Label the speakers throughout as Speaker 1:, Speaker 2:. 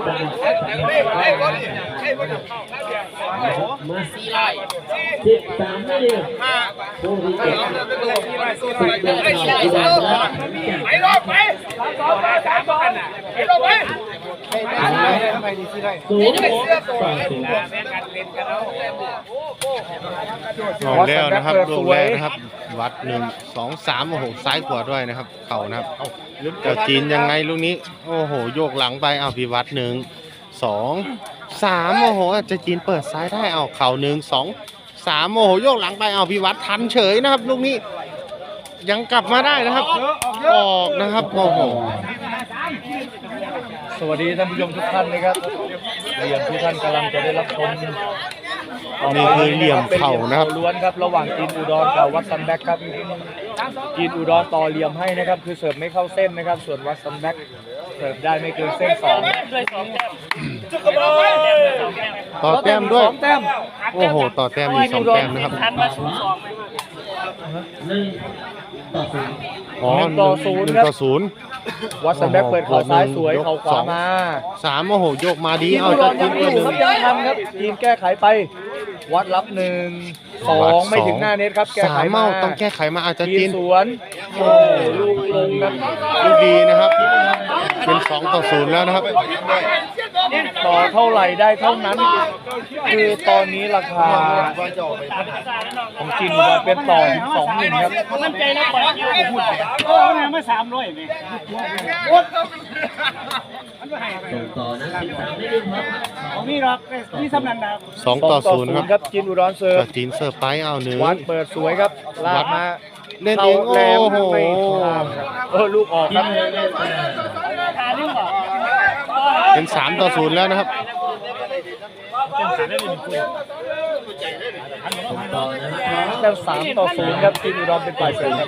Speaker 1: มา13นาทีผู้ที่เก็บ
Speaker 2: ไปรอบไป3 บอลไปรอบไป
Speaker 3: ลงแล้วนะครับลงแล้วนะครับวัด1 2 3โอ้โหซ้ายขวาด้วยนะครับเข่านะครับเจ้าจีนยังไงลูกนี้โอ้โหโยกหลังไปเอาพิวัตร1 2 3โอ้โหจะจีนเปิดซ้ายได้เอาเข่า1 2 3โอ้โหโยกหลังไปเอาพิวัตรทันเฉยนะครับลูกนี้ยังกลับมาได้นะครับออกนะครับโอ้โห
Speaker 4: สวัสดีท่านผู้ชมทุกท่านนะครับเหลี่ยมที่ท่านกำลังจะได้รับชม
Speaker 3: นี่คือเหลี่ยมเข่านะครับ
Speaker 4: ล้วนครับระหว่างจีนอุดรกับวัดซันแบ็กครับจีนอุดรต่อเหลี่ยมให้นะครับคือเสิร์ฟไม่เข้าเส้นนะครับส่วนวัดซันแบ็กเสิร์ฟได้ไม่เกินเส้น
Speaker 3: ต่อแต้มด้วย
Speaker 4: 2 แต้ม
Speaker 3: โอ้โหต่อแต้มมี2 แต้มนะครับ
Speaker 4: 1 ต่อ 0 ครับวัดซันแบ็กเปิดเข่าซ้ายสวยเข่าขวามา
Speaker 3: 3โอ้โหโยกมาดี
Speaker 4: เอาจะจีนเปิดยังทันครับจีนแก้ไขไปวัดรับ1 2ไม่ถึงหน้าเน็ตครับแก้ไขมา
Speaker 3: ต้องแก้ไขมาอาจจะจีน
Speaker 4: สวนโอ้ลูกลงครับ
Speaker 3: ลูกดีนะครับเป็น2 ต่อ 0แล้วนะครับ
Speaker 4: ต่อเท่าไหร่ได้เท่านั้นคือตอนนี้ราคาของจีนเป็นต่อถึง2-1ครับ
Speaker 2: มั่นใจนะปล่อยคิวพูดเอาเนี่ยมา300นี่
Speaker 1: ส่งต่อนะ13นาทีครับ
Speaker 2: ของนี่หรอกนี่สำนันดาว
Speaker 3: 2 ต่อ 0ครับ
Speaker 4: จีนอุดรเสิร์ฟ
Speaker 3: จีนเสิร์ฟไปเอา1
Speaker 4: วัดเปิดสวยครับลากมา
Speaker 3: เล่นเองโอ้โห
Speaker 4: ลูกออกครับ
Speaker 3: เป็น3 ต่อ 0แล้วนะครับ
Speaker 4: แต่3 ต่อ 0ครับจีนอุดรเป็นฝ่ายเสิร์ฟครับ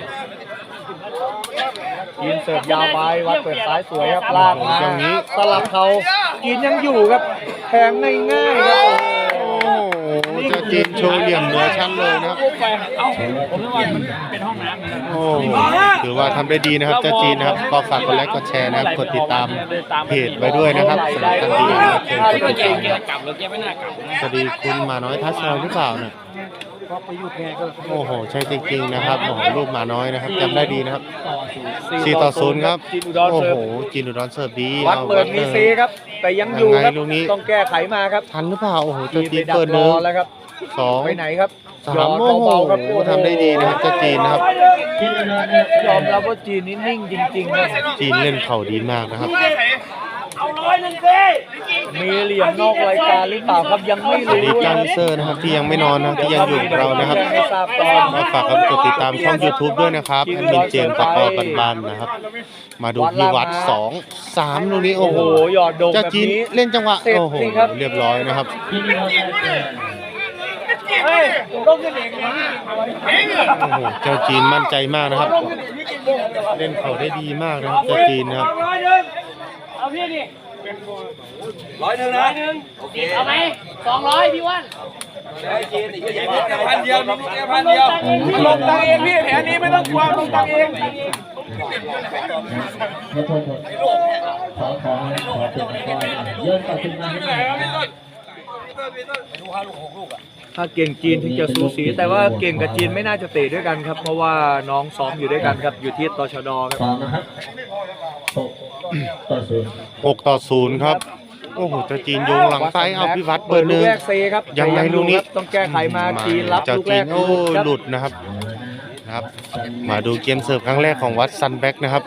Speaker 4: จีนเสิร์ฟยาวไปวัดเปิดซ้ายสวยครับลากมา
Speaker 3: อย่างนี้
Speaker 4: สลับเขาจีนยังอยู่ครับแทงง่ายๆครับ
Speaker 3: เจ้าจีนโชว์เหลี่ยมเหนือชั้นเลยนะครับ
Speaker 2: ผมว่ามันเป็นห้องน้ำ
Speaker 3: โอ้ถือว่าทำได้ดีนะครับเจ้าจีนนะครับก็ฝากกดไลค์กดแชร์นะครับกดติดตามเพจไว้ด้วยนะครับสำหรับท่านที่ยังไม่เคยกดติดตามสวัสดีคุณมาน้อยทัศน์หรือเปล่าเนี่ยโอ้โหใช่จริงๆนะครับโอ้โหรูปมาน้อยนะครับจำได้ดีนะครับ4 ต่อ 0ครับโอ้โหจีนอุดรเสิร์ฟดี
Speaker 4: วัดเปิดมีซีครับแต่ยังอยู่ครับต้องแก้ไขมาครับ
Speaker 3: ทันหรือเปล่าโอ้โหเจ้าจีนเปิด1
Speaker 4: แล้วครับ2ไปไหนครับ
Speaker 3: 3โอ้โหทำได้ดีนะครับเจ้าจีนนะครับ
Speaker 4: ยอมรับว่าจีนนี่นิ่งจริงๆนะ
Speaker 3: จีนเล่นเข่าดีมากนะครับ
Speaker 2: เอา100สิ
Speaker 4: มีเหลี่ยมนอกรายการหรือเปล่าครับยังไม่รู้
Speaker 3: ดีจังเซอร์นะครับที่ยังไม่นอนนะที่ยังอยู่กับเรานะครับก็ฝากกดติดตามช่อง YouTube ด้วยนะครับแอดมินเจมส์ตะกอบ้านๆนะครับมาดูที่วัด2 3ลูกนี้โอ้โห
Speaker 4: หยอดโด่ง
Speaker 3: เจ้าจีนเล่นจังหวะโอ้โหเรียบร้อยนะครับ
Speaker 2: เฮ้ยต้องขึ้นเอง
Speaker 3: โอ้โหเจ้าจีนมั่นใจมากนะครับเล่นเข่าได้ดีมากนะครับเจ้าจีนนะครับ
Speaker 2: เอาพี่ดิ100นะเอาไหม200พี่วัน1,000 เดียวนี่แค่1,000 เดียวลงตังเองพี่แผนนี้ไม่ต้องกลัวลงตังเอง
Speaker 1: ขอเยอะต่อขึ้นมาให้หน่อย
Speaker 4: ถ้าเก่งจีนถึงจะสูสีแต่ว่าเก่งกับจีนไม่น่าจะเตะด้วยกันครับเพราะว่าน้องซ้อมอยู่ด้วยกันครับอยู่ที่ตชดครับ
Speaker 3: 6 ต่อ 0ครับโอ้โหเจ้าจีนโยงหลังซ้ายเอาพิวัตรเบอร์1ยังไงลูกนี้
Speaker 4: ต้องแก้ไขมาจีนรับลูกแรก
Speaker 3: โอ้หลุดนะครับมาดูเกมเสิร์ฟครั้งแรกของวัดซันแบ็กนะครับ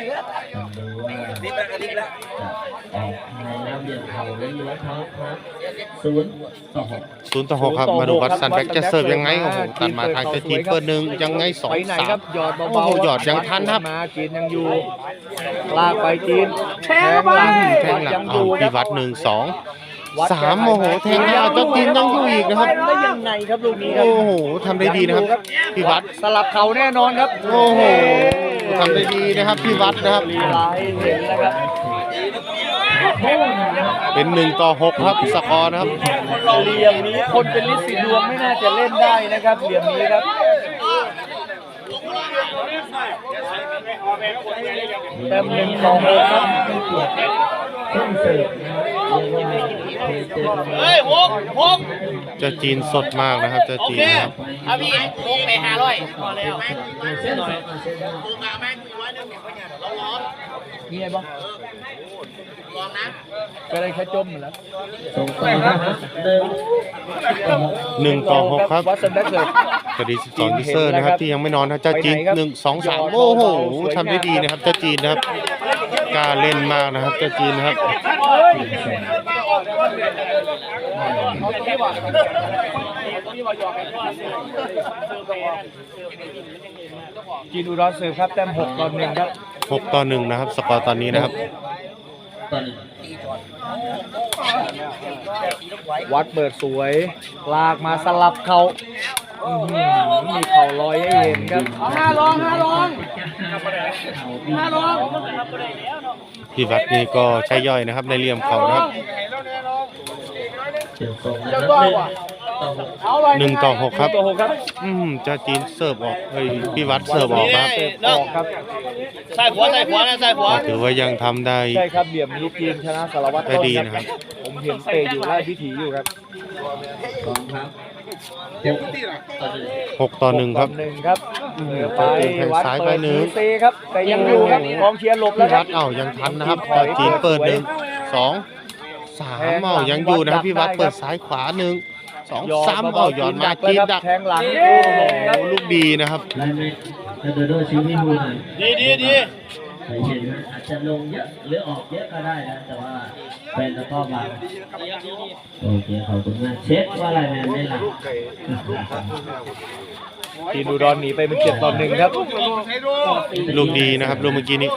Speaker 3: 0 ต่อ 6ครับมาดูวัดซันแบ็กจะเสิร์ฟยังไงโอ้โหตัดมาทางเจ้าจีนเบอร์1ยังไง2 3โอ้โหหยอดยังทันครับ
Speaker 4: จีนยังอยู่ลากไปจีน
Speaker 3: แทงหลังเอาพิวัตร1 2 3โอ้โหแทงยาวเจ้าจีนยังอยู่อีกนะครับ
Speaker 4: ได้ยังไงครับลูกนี้ครับ
Speaker 3: โอ้โหทำได้ดีนะครับพิวัตร
Speaker 4: สลับเข่าแน่นอนครับ
Speaker 3: โอ้โหทำได้ดีนะครับพิวัตรนะครับเป็น1 ต่อ 6ครับสกอร์นะครับ
Speaker 4: เหลี่ยมนี้คนเป็นลิสิดวงไม่น่าจะเล่นได้นะครับเหลี่ยมนี้ครับแต้ม1 ต่อ 6ครับ
Speaker 1: ต้องเสิร์ฟนะครับเรียกว่าเคยเจอกันมา
Speaker 2: เฮ้ยหก
Speaker 3: เจ้าจีนสดมากนะครับเจ้า
Speaker 2: โอ
Speaker 3: จีน
Speaker 2: เค
Speaker 3: นะครับ
Speaker 2: เอาพี่ลงไป500พอแล้ว
Speaker 1: เส้นสองเส้นสอง
Speaker 4: มีไงบ้างก็ได้แค่จมแล้ว
Speaker 1: ส่งต่อนะครับ
Speaker 3: 1-6ครับ
Speaker 4: วัดสันแบ็คเลย
Speaker 3: สวัสดี12ยูเซอร์นะครับที่ยังไม่นอนนะเจ้าจีน1-2-3โอ้โหทำได้ดีนะครับเจ้าจีนนะครับกล้าเล่นมากนะครับเจ้าจีนนะครับ
Speaker 4: จีนอุดรเสิร์ฟครับแต้ม6-1ครับ
Speaker 3: 6-1นะครับสกอร์ตอนนี้นะครับ
Speaker 1: ตอนนี้
Speaker 4: วัดเปิดสวยลากมาสลับเขามีเข่าลอยให้เห็นครับ
Speaker 2: เอา5ลอง
Speaker 3: พี่วัดนี่ก็ใช้ย่อยนะครับในเหลี่ยมเขานะครับ
Speaker 1: เดี๋ยวส่งนะครับ
Speaker 3: 1-6ครับ
Speaker 4: ตัว6ครับ
Speaker 3: เจ้าจีนเสิร์ฟออกเฮ้ยพี่วัดเสิร์ฟออกครับ
Speaker 4: เสิร์ฟออกครับ
Speaker 2: ใส่หัวนะใส่หัว
Speaker 3: ก็ถือว่ายังทำได้
Speaker 4: ใช่ครับเหลี่ยมนี้จีนชนะสารวัตร
Speaker 3: ได้
Speaker 4: ต้น
Speaker 3: ดี
Speaker 4: ค
Speaker 3: นะค
Speaker 4: รั
Speaker 3: รั
Speaker 4: บบ ผมเห็นเตะอยู่ไล่พิถีอยู่ครับ
Speaker 1: สองครับ6-1
Speaker 3: 6-1ครับ
Speaker 4: 1ครับเหนือไป
Speaker 3: แทง
Speaker 4: วัด
Speaker 3: ซ้ายไป
Speaker 4: เปิด
Speaker 3: หนึ่ง
Speaker 4: เซครับแต่ยังอยู่ครับกองเชียร์หลบแล้
Speaker 3: พี่
Speaker 4: วค
Speaker 3: วั
Speaker 4: รับ
Speaker 3: ดยังทันนะครับเจ้าจีนเปิด1-2-3พี่ยังอยู่นะครับพี่วัดเปิดซ้ายขวา1-2-3ย้อนมาจีนดัก
Speaker 4: แทงหลัง
Speaker 3: โอ้โหลูกดีนะครับ
Speaker 1: ได้ไหมถ้าโดโดชี้ให้ดูหน่อย
Speaker 2: ดี
Speaker 1: เคยเห็นนะอาจจะลงเยอะหรือออกเยอะก็ได้นะแต่ว่าเป็นตะก้อบางโอเคขอบคุณมากเช็คว่าอะไรแมนไม่หลับ
Speaker 4: จีนอุดรหนีไปเป็น7-1ครับ
Speaker 3: ลูกดีนะครับลูกเมื่อกี้นี้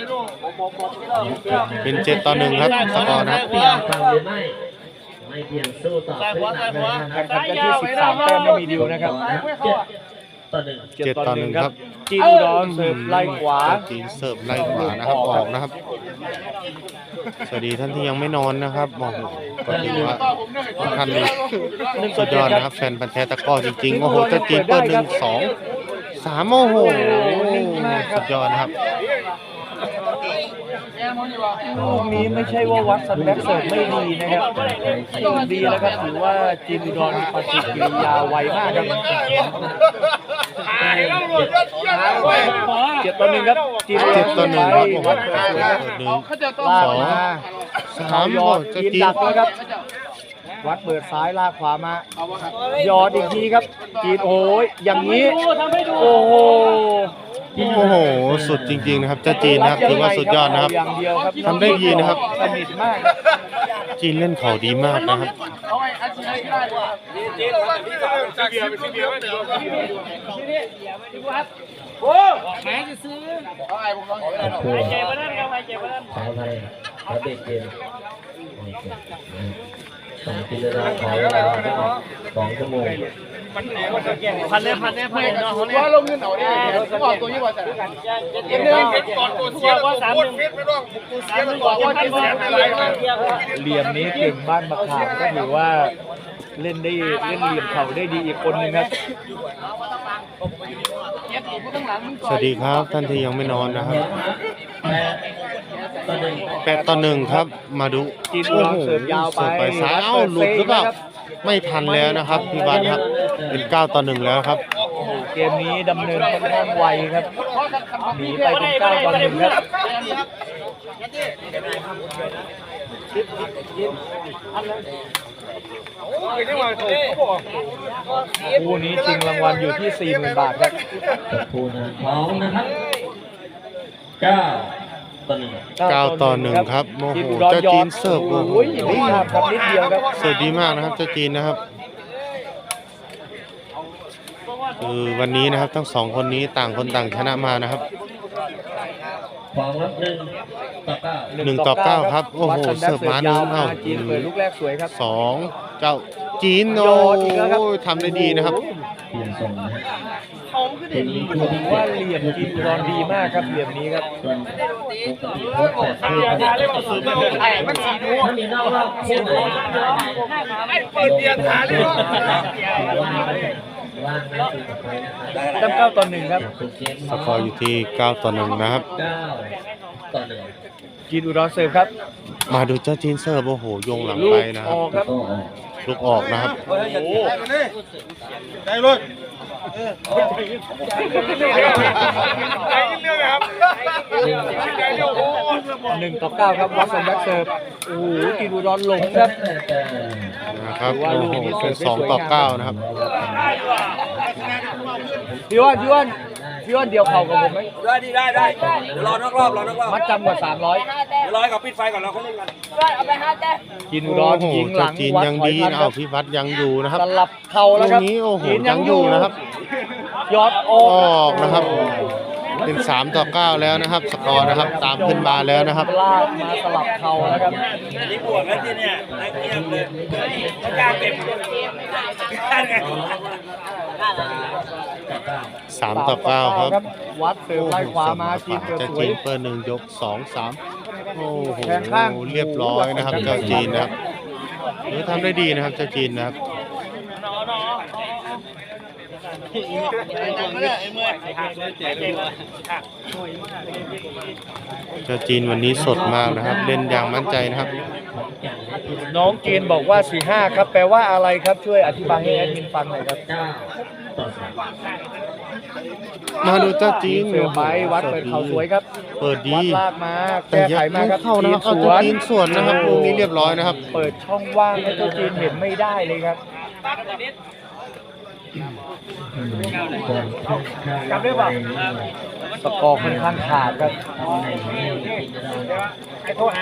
Speaker 3: เป็น7-1ครับสกอร์นะครับ
Speaker 1: เปลี่ยนฟังหรือไม่ไม่เปลี่ยนสู้ต่อขึ้นหนักเลยนะค
Speaker 4: แข่
Speaker 1: รับ
Speaker 4: งขันกันที่13แต้มไม่มีดิวนะครับ
Speaker 1: 7-1
Speaker 4: 7-1ครับจีนอุดรเสิร์ฟไล่ขวา
Speaker 3: เจ้าจีนเสิร์ฟไล่ขวานะครับออกนะครับ สวัสดีท่านที่ยังไม่นอนนะครับโอ้โหก็ถือว่าทุกท่านนี่สุดยอดนะครับแฟนพันธุ์แท้ตะกร้อจริงๆโอ้โหเจ้าจีนเปิด1-2-3โอ้โหสุดยอดนะครับ
Speaker 4: ลูกนี้ไม่ใช่ว่าวัดสันแบ็คเสิร์ฟไม่ดีนะครับดีแล้วครับถือว่าจีนอุดรมีปฏิกิริยาไวมากครับ7-1ครับจีนอุดร
Speaker 3: 7-1ครับโอ้โห
Speaker 4: วัดเปิดสวยครับ ลากมา
Speaker 3: 1-2-3
Speaker 4: ยอด
Speaker 3: เจ้า
Speaker 4: จีน
Speaker 3: จีน
Speaker 4: ดักแล้วครับ วัดเปิดซ้ายลากขวามา ยอดอีกทีครับ จีนโอ้ยอย่างนี้ โอ้โห
Speaker 3: โอ้โหสุดจริงๆนะครับเจ้าจีนนะครับถือว่าสุดยอดนะครับ
Speaker 4: อย่างเดียวครับ
Speaker 3: ทำได้ดีนะครับ
Speaker 4: สนิทมาก
Speaker 3: จีนเล่นเขาดีมากนะครับ
Speaker 2: แม่จะซื้อ
Speaker 1: ขออภัยขอเด็กเกม2 กิโลกรัมขอเวลาได้2 ชั่วโมง
Speaker 2: พันเลยเนาะว่าลงเงินเอาเนี่ยต้องออกตัวยี่ว่าจะเดี๋ยวก่อนตัวเสียว่า3-1ก่อนว่าจะเสียอะไร
Speaker 4: เหลี่ยมนี้เก่งบ้านมะขามก็ถือว่าเล่นได้เล่นเหลี่ยมเขาได้ดีอีกคนนึงครับ
Speaker 3: สวัสดีครับท่านที่ยังไม่นอนนะครับ 8-1ครับมาดู
Speaker 4: จีนอุดรเสิร์ฟยาวไป
Speaker 3: เสิร์ฟไปซ้ายเอ้าหลุดหรือเปล่าไม่ทันแล้วนะครับพี่วัดครับเป็น9-1แล้วครับ
Speaker 4: เกมนี้ดำเนินค่อนข้างไวครับหนีไปเป็น9-1ครับคู่นี้จริงรางวัลอยู่ที่ 40,000 บาทครับ
Speaker 1: ตะพูนะพร้อมนะครับ
Speaker 3: 9-1ครับโอ้โหเจ้าจีนเสิร์ฟโอ้โห
Speaker 4: ดีครับครับนิดเดียวครับ
Speaker 3: เสิร์ฟดีมากนะครับเจ้าจีนนะครับคือวันนี้นะครับทั้งสองคนนี้ต่างคนต่างชนะมานะครับ
Speaker 1: พร้อมครับ
Speaker 3: 1-9ครับโอ้โหเสิร์ฟมาหนึ่งเอ้า
Speaker 4: จีนเปิดลูกแรกสวยครับ
Speaker 3: 2เจ้าจีนโอ้ทำได้ดีนะครับ
Speaker 1: เปลี่ยนส่งนะฮะ
Speaker 4: ผมว่าเหลี่ยมจีนอุดรดีมากครับเหลี่ยมนี้ครับ
Speaker 1: ส่วนปกติถ้ามีนอกรอบเช่นไหนไม่เปิดเดียร์ฐานเลยว่างนะคือไปนะครับ
Speaker 4: แต้ม9-1ครับ
Speaker 3: สกอร์อยู่ที่9-1นะครับ
Speaker 1: 9-1
Speaker 4: จีนอุดรเสิร์ฟครับ
Speaker 3: มาดูเจ้าจีนเสิร์ฟโอ้โหโยงหลังไปนะครับ
Speaker 4: ออกครับ
Speaker 3: ลูกออกนะครับ
Speaker 2: ได้เลย
Speaker 4: 1-9ครับวัดสันแบ็กเซิร์ฟโอ้โหจีนอุดรหลงครับ
Speaker 3: นะครับโอ้โหเป็น2-9นะครับ
Speaker 4: พี่อ้วนเดียวเข่ากับผมไหม
Speaker 2: ได้เดี๋ยวรอนอกรอบ
Speaker 4: มัดจำกว่า300
Speaker 2: เดี๋ยวรอให้เขาปิดไฟก่อนเราเขาเล่นกัน
Speaker 4: จีนอุด
Speaker 3: โอ้
Speaker 4: ร
Speaker 3: โห
Speaker 4: ยิงหลั
Speaker 3: เจ้าง จีน
Speaker 4: วัด
Speaker 3: ยัง
Speaker 4: ถอย
Speaker 3: ดี
Speaker 4: ทัน
Speaker 3: นะ
Speaker 4: ครั
Speaker 3: เอา
Speaker 4: บ
Speaker 3: พี่วัดยังอยู่นะครับ
Speaker 4: สลับเข่า
Speaker 3: ต
Speaker 4: แล้ว
Speaker 3: ร
Speaker 4: ครับ
Speaker 3: งนี้โอ้โห
Speaker 4: จีน
Speaker 3: ยังอยู่นะครับ
Speaker 4: ยอดอ
Speaker 3: อ
Speaker 4: อ
Speaker 3: อกนะครับ เป็น3-9แล้วนะครับ สกอร์นะครับตามขึ้นมาแล้วนะครับ
Speaker 4: ลากมาสลับเข่าแล้วครับ
Speaker 2: นี่บวกแล้วที่เนี่ยนักเงียบเลยต้องการเก็บการไง
Speaker 3: 3-9ครับ
Speaker 4: วัดเสิร์ฟไล่ขวามาจีนเกิด
Speaker 3: เจ้า
Speaker 4: สว
Speaker 3: จี
Speaker 4: ย
Speaker 3: นเปิด1 ยก 2-3โอ้โห
Speaker 4: แทงข้าง
Speaker 3: เรียบร้อยนะครับ เจ้าจีนนะครับทำได้ดีนะครับเจ้าจีนนะครับ เจ้าจีนวันนี้สดมากนะครับ เล่นอย่างมั่นใจนะครับ
Speaker 4: น้องจีนบอกว่า 4-5 ครับ แปลว่าอะไรครับ ช่วยอธิบายให้แอดมินฟังหน่อยครับ
Speaker 3: มาดูเจ้าจีน
Speaker 4: เสิร์ฟไปวัดเปิดเข่าสวยครับ
Speaker 3: เปิดดี
Speaker 4: วัดลากมา
Speaker 3: แต่
Speaker 4: แก้
Speaker 3: ยั
Speaker 4: ไข
Speaker 3: ง
Speaker 4: มา
Speaker 3: ไม่
Speaker 4: ครับ
Speaker 3: เข้านะครับเอา
Speaker 4: ส
Speaker 3: เจ้า
Speaker 4: วน
Speaker 3: จีนส่วนนะครับลูกนี้เรียบร้อยนะครับ
Speaker 4: เปิดช่องว่างให้เจ้าจีนเห็นไม่ได้เลยครับ
Speaker 1: จำได้ป่ะ
Speaker 4: สกอร์ค่อนข้างขาดครับ
Speaker 1: โทรหา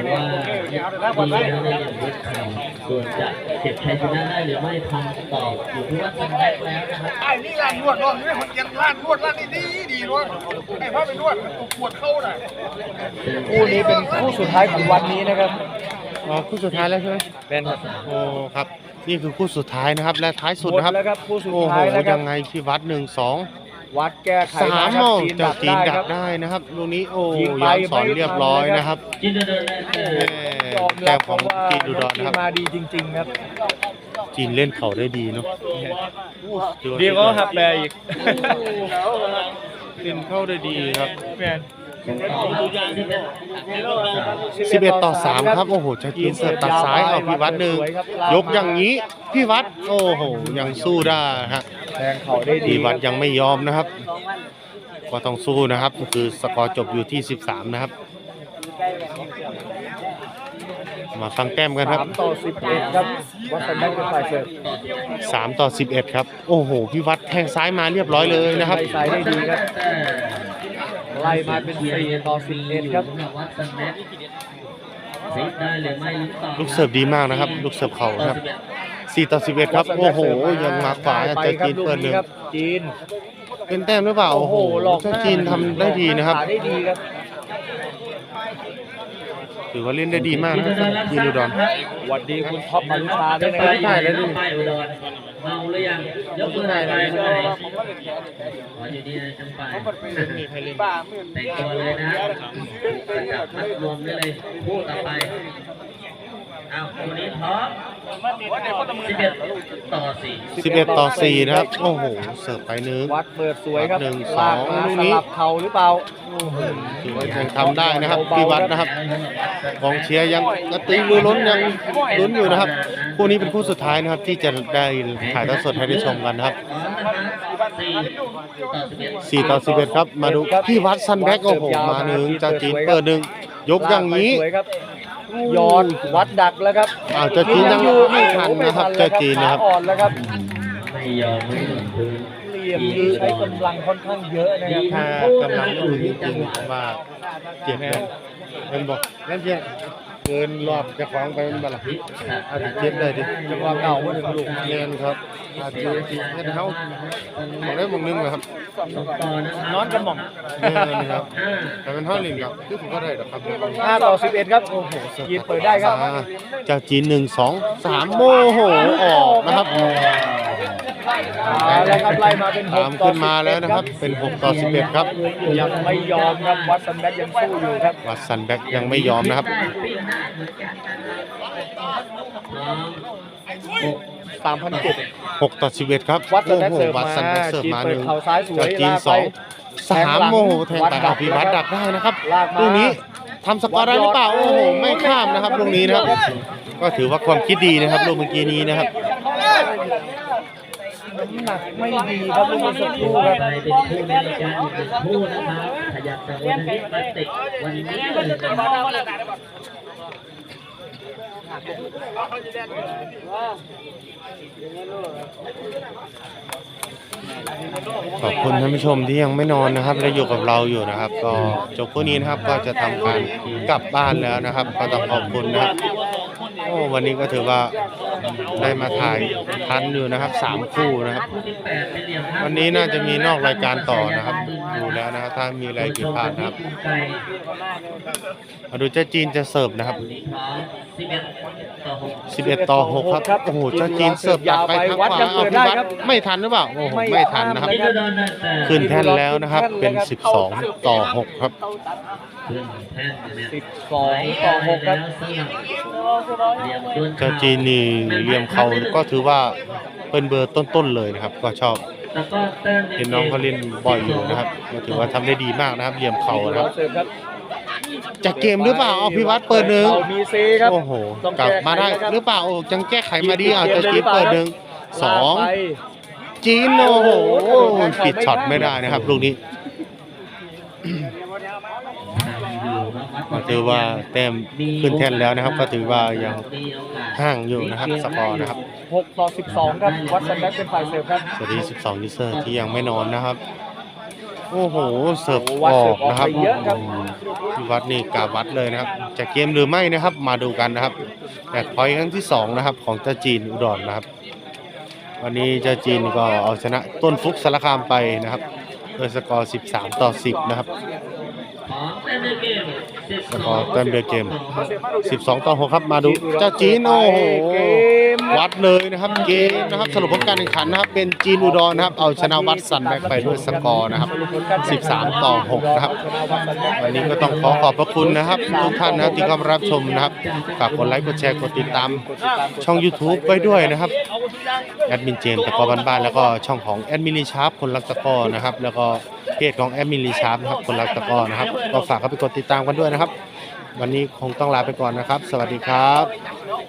Speaker 1: ส่วนจะเก็บชัยชนะได้หรือไม่ทำต่ออยู่ที่ว่าทำได้แล้วนะครับ
Speaker 2: ไอ้นี่ร้านนวดนี่คนเย็นร้านนวดร้านนี้ดีนวดไอ้พ่อไปนวดปวดเข้าน่ะ
Speaker 4: คู่นี้เป็นคู่สุดท้ายของวันนี้นะครับ
Speaker 3: อ๋อคู่สุดท้ายแล้วใช่ไหม
Speaker 4: เป็นครับ
Speaker 3: โอ้ครับ นี่คือคู่สุดท้ายนะครับ และท้ายสุด
Speaker 4: หมด
Speaker 3: นะครับ
Speaker 4: แล้วครับคู่สุด
Speaker 3: โอ้โห
Speaker 4: ท้ายแล้วครั
Speaker 3: ยั
Speaker 4: บ
Speaker 3: งไงพี่วัด1-2
Speaker 4: วัดแก้ไข
Speaker 3: 3
Speaker 4: มาค
Speaker 3: โอ้
Speaker 4: รับจีน
Speaker 3: เจ้า
Speaker 4: ดัก
Speaker 3: จีน
Speaker 4: ได้
Speaker 3: ดั
Speaker 4: ครั
Speaker 3: ก
Speaker 4: บ
Speaker 3: ได้นะครับลูกนี้โอ้
Speaker 4: ยิงไป
Speaker 3: ย้อนสอนเรียบร้อยนะครับ
Speaker 1: จินเดินได้
Speaker 4: ยอม
Speaker 3: แต้
Speaker 4: รับ
Speaker 3: ม
Speaker 4: เพ
Speaker 3: ของ
Speaker 4: ราะว่า
Speaker 3: จีนอุดร
Speaker 4: จี
Speaker 3: นะ
Speaker 4: น
Speaker 3: ครับ
Speaker 4: มาดีจริง ๆ ครับ
Speaker 3: จีนเล่นเข่าได้ดีเนาะ
Speaker 4: ดีก็หักแปรอีก
Speaker 3: เล่นเข้าได้ดีครับ
Speaker 4: แมน
Speaker 3: 11-3ครับโอ้โหเจ้าจีนเสิร์ฟตัดซ้ายเอาพี่วัด1ยกอย่างนี้พี่วัดโอ้โหยังสู้ได้ฮะ
Speaker 4: แทงเข่าได้ดี
Speaker 3: พี่
Speaker 4: ค
Speaker 3: วั
Speaker 4: รั
Speaker 3: ด
Speaker 4: บ
Speaker 3: ยังไม่ยอมนะครับ ก็ต้องสู้นะครับคือสกอร์จบอยู่ที่13นะครับ มาฟังแก้มกันครับ
Speaker 4: 3-11ครับวัดสันแบ็กเป็นฝ่ายเสิร์ฟ
Speaker 3: 3-11ครับโอ้โหพี่วัดแทงซ้ายมาเรียบร้อยเลยนะครับ
Speaker 4: ไล่ซ้ายได้ดีครับไล่มาเป็น4-11ครับ
Speaker 1: วัดสันแม็กซิได้หรือไม่ลุ้นต่อ
Speaker 3: ลูกเสิร์ฟดีมากนะครับ ลูกเสิร์ฟเข่านะครับ4-11ครับโอ้โหยังมาขวา
Speaker 4: ไป
Speaker 3: เจ้า
Speaker 4: ครับ
Speaker 3: จีน
Speaker 4: ลูก
Speaker 3: เปิดห
Speaker 4: นี้
Speaker 3: นึ่ง
Speaker 4: ครับจีน
Speaker 3: เป็นแต้มหรือเปล่า
Speaker 4: โอ้โหหลอก
Speaker 3: เจ้าจีนทำได้ดีนะครับ
Speaker 4: ขาได้ดีครับ
Speaker 3: ถือว่าเล่นได้ดีมากนะครับจีนอุดร
Speaker 4: สวัสดีคุณท็อปมารุชาด้วยนะค
Speaker 1: ไป
Speaker 4: รับ
Speaker 1: ถ่ายแล้วดิไปอุดรเมาหรือยังยกมือถ่ายไปข้างในขออยู่ดีนะจังไปแต่งตัวเลยนะประจับมัดรวมได้เลยพูดต่อไปเอาวันนี้พร้อม11-4
Speaker 3: 11-4นะครับโอ้โหเสิร์ฟไปหนึ่ง
Speaker 4: วัดเปิดสวยครับ
Speaker 3: 1-2
Speaker 4: ลากมา
Speaker 3: ลูก
Speaker 4: ส
Speaker 3: นี้
Speaker 4: ลับเข่าหรือเปล่า
Speaker 3: ถือว่ายังทำได้นะครับพี่วัดนะครับกองเชียร์ยังกระตือรือร้นยังลุ้นอยู่นะครับคู่นี้เป็นคู่สุดท้ายนะครับ ที่จะได้ถ่ายทอดสดให้ได้ชมกันนะครับ4-11ครับมาดูพี่วัดซันแบ็กโอ้โหมาหนึ่งเจ้าจีนเปิดหนึ่งยกอย่างนี้
Speaker 4: ลกไปสวยครับยอดวัดดักแล้วครับ
Speaker 3: เจ้าจีนยังไม่ทันนะครับเจ้าจีนนะครับ
Speaker 4: ขาอ่อนแล้วครับ
Speaker 1: ไม่ยอมไม่ถึงพื้น
Speaker 4: เหลี่ยมนี้ใช้กำลังค่อนข้างเยอะนะครับ
Speaker 3: ถ้ากำลังอยู่จริงๆผมว่าเจ็บเลยเป็นบอกนั่นเพียงเกินรอบจะคล้องไปเป็นบลาอาจจะเจ็บได้ดิจังหวะเก่ามาถึงลูกเรียนครับอาจจะให้เขามองได้มองนึงนะครับ
Speaker 4: นอนกันหม่อง
Speaker 3: นี่ครับแต่เป็นท่อลิงครับคือผมก็ได้หรอกครับ
Speaker 4: 5-11ครับโอ้โหยีนเปิดได้ครับ
Speaker 3: เจ้าจีน1-2-3โมโหออกนะครับ
Speaker 4: แล้วครับไล่มาเป็น
Speaker 3: ตามขึ้นมาแล้วนะครับเป็น6-11ครับ
Speaker 4: ยังไม่ยอมครับวัดสันแบ็กยังสู้อยู่ครับ
Speaker 3: วัดซันแบ็กยังไม่ยอมนะครับ
Speaker 4: 3,007
Speaker 3: 6-11ครับ
Speaker 4: วัดสันแบ็ก
Speaker 3: โอ้โห
Speaker 4: เสิร์ฟ
Speaker 3: วัด
Speaker 4: มา
Speaker 3: ซันแบ็กเสิร์ฟ
Speaker 4: จีน
Speaker 3: มา
Speaker 4: เปิ
Speaker 3: ห
Speaker 4: ด
Speaker 3: นึ่ง
Speaker 4: เข่าซ้ายสวย
Speaker 3: เจ้าจีน
Speaker 4: ลากไป
Speaker 3: 2-3โมโหแทงไปอภิวัตดักได้นะครับ
Speaker 4: ลากมา
Speaker 3: ลูกนี้ทำสกอร์ได้หรือเปล่าโอ้โหไม่ข้ามนะครับลูกนี้นะครับก็ถือว่าความคิดดีนะครับลูกเมื่อกี้นี้นะครับ
Speaker 4: น้ำหนักไม่ดีครับลูกนี้สักครู่ครับ
Speaker 1: ไปเป็นคู่ในรายการอีกหนึ่งคู่นะครับขยับจากวันนี้มาติดวันนี้เลยนะครับ
Speaker 3: ขอบคุณท่านผู้ชมที่ยังไม่นอนนะครับและอยู่กับเราอยู่นะครับ ก็จบคู่นี้นะครับก็จะทำการกลับบ้านแล้วนะครับ ก็ต้องขอบคุณนะครับโอ้วันนี้ก็ถือว่าได้มาถ่ายทันอยู่นะครับ3คู่นะครับ วันนี้น่าจะมีนอกรายการต่อนะครับดูแล้วนะครับถ้ามีอะไรผิดพลาดนะครับมาดูเจ้าจีนจะเสิร์ฟนะครับ11 ต่อ 6ครับโอ้โหเจ้าจีนเสิร์ฟตัดไปทางขวาเอาพิวัตรไม่ทันหรือเปล่าโอ้โหไม่ทันนะครับขึ้นแท่นแล้วนะครับเป็น12 ต่อ 6ครับ
Speaker 4: 12 ต่อ 6ครับ
Speaker 3: เจ้าจีนนี่เหลี่ยมเขาก็ถือว่าเป็นเบอร์ต้นๆเลยนะครับก็ชอบเห็นน้องเขาเล่นบ่อยอยู่นะครับก็ถือว่าทำได้ดีมากนะครับเหลี่ยมเขานะครับ
Speaker 4: เสิร์ฟครับ
Speaker 3: จะเกมหรือเปล่าเอาพิวัตรเปิดหนึ่ง
Speaker 4: มีเซครับ
Speaker 3: โอ้โหกลับมาได้หรือเปล่าโอ้จังแก้ไขมาดีเอาจะจีนเปิดหนึ่ง2จีนโอ้โหปิดช็อตไม่ได้นะครับลูกนี้ก็ถือว่าแต้มขึ้นแท่นแล้วนะครับก็ถือว่ายังห่างอยู่นะครับสกอร์นะครับ
Speaker 4: 6 ต่อ 12ครับวัดสันแบ็กเป็นฝ่ายเสิร์ฟครับ
Speaker 3: สวัสดี12ยูเซอร์ที่ยังไม่นอนนะครับโอ้โหเสิร์ฟอ
Speaker 4: วัด
Speaker 3: อ
Speaker 4: เสิร์
Speaker 3: ก
Speaker 4: ฟออก
Speaker 3: นะครับ
Speaker 4: ไปเยอะครับ
Speaker 3: พิวัตรนี่กาวัดเลยนะครับจะเกมหรือไม่นะครับมาดูกันนะครับแมตช์พอยต์ครั้งที่2นะครับของเจ้าจีนอุดรนะครับวันนี้เจ้าจีนก็เอาชนะต้นฟุกสารคามไปนะครับโดยสกอร์13 ต่อ 10นะครับสกอร์เต็มเดือเกม12 ต่อ 6ครับมาดูเจ้าจีนโอ้โหวัดเลยนะครับเกมนะครับสรุปผลการแข่งขันนะครับเป็นจีนอุดรนะครับเอาชนะวัดสันแบกไปด้วยสกอร์นะครับ13 ต่อ 6นะครับวันนี้ก็ต้องขอบพระคุณนะครับทุกท่านนะครับที่เข้ามารับชมนะครับฝากกดไลค์กดแชร์กดติดตามช่อง YouTube ไว้ด้วยนะครับแอดมินเจมส์ตะกอบ้านๆแล้วก็ช่องของแอดมินลีชาร์ปคนรักตะกอนะครับแล้วก็เพจของแอดมินลีชาร์ปนะครับคนรักตะกอนะครับก็ฝากเข้าไปกดติดตามกันด้วยนะครับวันนี้คงต้องลาไปก่อนนะครับสวัสดีครับ